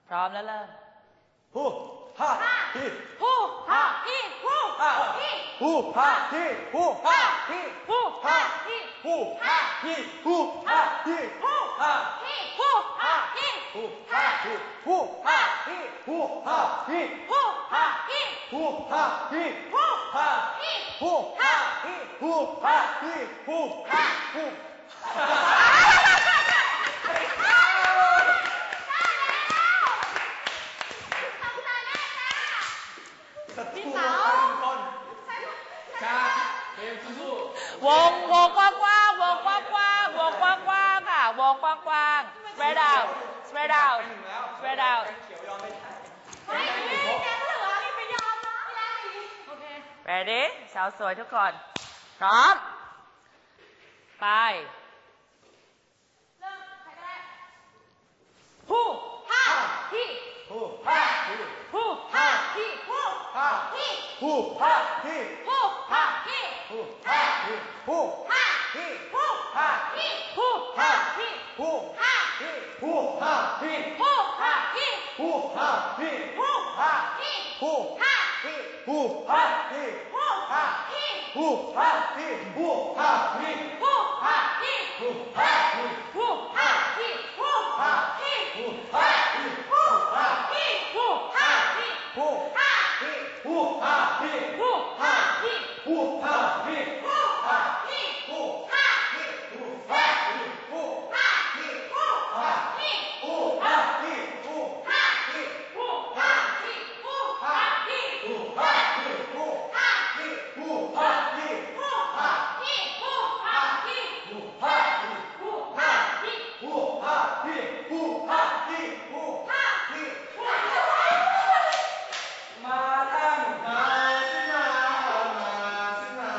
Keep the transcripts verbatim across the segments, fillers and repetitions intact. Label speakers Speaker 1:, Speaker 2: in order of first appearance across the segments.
Speaker 1: พร้อมแล้วเริ่ม
Speaker 2: ฮู้ฮ่าฮี
Speaker 1: ฮู้ฮ่าฮีฮู้ฮ่าฮี
Speaker 2: ฮู้ฮ่าฮีฮู้ฮ่าฮี
Speaker 1: ฮู้ฮ่าฮี
Speaker 2: ฮู้ฮ่าฮีฮู้ฮ่าฮี
Speaker 1: ฮู้ฮ่าฮีฮู้ฮ่าฮี
Speaker 2: ฮู้ฮ่าฮีฮู้ฮ่าฮีฮู้ฮ่าฮี
Speaker 1: ฮู้ฮ่าฮี
Speaker 2: ฮู้ฮ่าฮี
Speaker 1: ฮู้ฮ่าฮี
Speaker 2: ฮู้ฮ่าฮีฮู้ฮ่าฮีฮู้ฮ่าฮู้
Speaker 1: พี่สาววงวงกว้างกว้างวงกว้างกว้างวงกว้างกว้างค่ะวงกว้างกว้าง spread out spread out spread out ready สาวสวยทุกคนพร้อมไปฮู้ฮ่าฮี
Speaker 2: ฮู้ฮ่าฮี
Speaker 1: ฮู้ฮ่าฮีฮู้ฮ่าฮี
Speaker 2: ฮู้ฮ่าฮี
Speaker 1: ฮู้ฮ่าฮี
Speaker 2: ฮู้ฮ่าฮีฮู้
Speaker 1: ฮ่า
Speaker 2: ฮี
Speaker 1: ฮู้
Speaker 2: ฮ่า
Speaker 1: ฮีฮู้ฮ่าฮี
Speaker 2: ฮู้
Speaker 1: ฮ่า
Speaker 2: ฮีฮู้ฮ่าฮี
Speaker 1: ฮู้ฮ่าฮี
Speaker 2: ฮู้ฮ่าฮี
Speaker 1: ฮู้
Speaker 2: ฮ่า
Speaker 1: ฮี
Speaker 2: ฮู้
Speaker 1: ฮ่า
Speaker 2: ฮี ฮู้ฮ่าฮี
Speaker 1: ฮู้
Speaker 2: ฮ่า
Speaker 1: ฮี
Speaker 2: ฮู้ฮ่าฮีฮู้ฮ่าฮี
Speaker 1: ฮู้ฮ่าฮี
Speaker 2: ฮู้ฮ่าฮี
Speaker 1: ฮู้ฮ่าฮีฮู้ฮ่าฮี
Speaker 2: ฮู้ฮ่าฮี
Speaker 1: ฮู้ฮ่าฮีฮู้ฮ่าฮี
Speaker 2: ฮู้
Speaker 1: ฮ่า
Speaker 2: ฮี ฮู้ฮ่าฮี
Speaker 1: ฮู้ฮ่าฮี
Speaker 2: ฮู้ฮ่าฮี
Speaker 1: ฮู้ฮ่าฮี
Speaker 2: ฮู้
Speaker 1: ฮ่า
Speaker 2: ฮี ฮู้ฮ่าฮี ฮู้
Speaker 1: ฮ่า
Speaker 2: ฮี
Speaker 1: ฮู้
Speaker 2: ฮ่า
Speaker 1: ฮี
Speaker 2: ฮู้ฮ่าฮีฮู้
Speaker 1: ฮ่า
Speaker 2: ฮี
Speaker 1: ฮู้ฮ่าฮีฮู้ฮ่าฮี
Speaker 2: ฮู้ฮ่าฮีฮู้
Speaker 1: ฮ่า
Speaker 2: ฮีฮู้ฮ่าฮี
Speaker 1: ฮู้ฮ่าฮีฮู้ฮ่าฮี
Speaker 2: ฮู้ฮ่าฮี
Speaker 1: ฮู้ฮ่าฮี
Speaker 2: ฮู้ฮ่าฮีฮู้ฮ่าฮีฮู้ฮ่าฮีมาตั้งมาสิมามาสิมา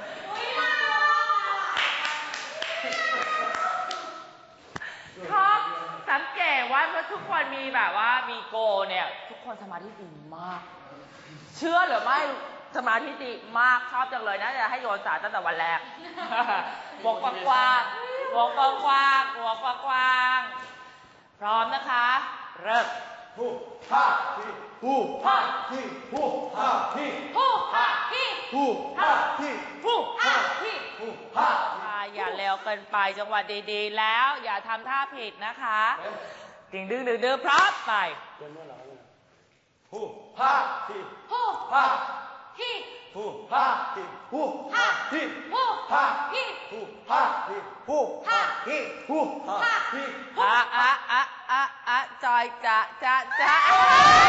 Speaker 1: ครับสังเกตว่าทุกคนมีแบบว่ามีโกเนี่ยทุกคนสมาธิดีมากเชื่อหรือไม่สมาธิดีมากชอบจังเลยนะจะให้โยนสารตั้งแต่วันแรกวงกว้างๆวงกว้างๆวงกว้างๆพร้อมนะคะเริ่ม
Speaker 2: ฮู้ฮ่าฮีฮู้ฮ่าฮีฮู้ฮ่าฮี
Speaker 1: ฮู้ฮ่าฮี
Speaker 2: ฮู้ฮ่าฮี
Speaker 1: ฮู้ฮ่าฮี
Speaker 2: ฮู้ฮ่า
Speaker 1: อย่าเร็วเกินไปจังหวะดีๆแล้วอย่าทำท่าผิดนะคะดึงดึงดึงดึงพร้อมไป
Speaker 2: ฮู้ฮ่าฮี
Speaker 1: ฮู้
Speaker 2: ฮ่า
Speaker 1: ฮี
Speaker 2: ฮู้ฮ่าฮีฮู้ฮ่าฮี
Speaker 1: ฮู้
Speaker 2: ฮ่า
Speaker 1: ฮี
Speaker 2: ฮู้ฮ่าฮีฮู้ฮ่าฮีฮู้ฮ่าฮี
Speaker 1: อะอะอะอะอะจอยจะจะจะ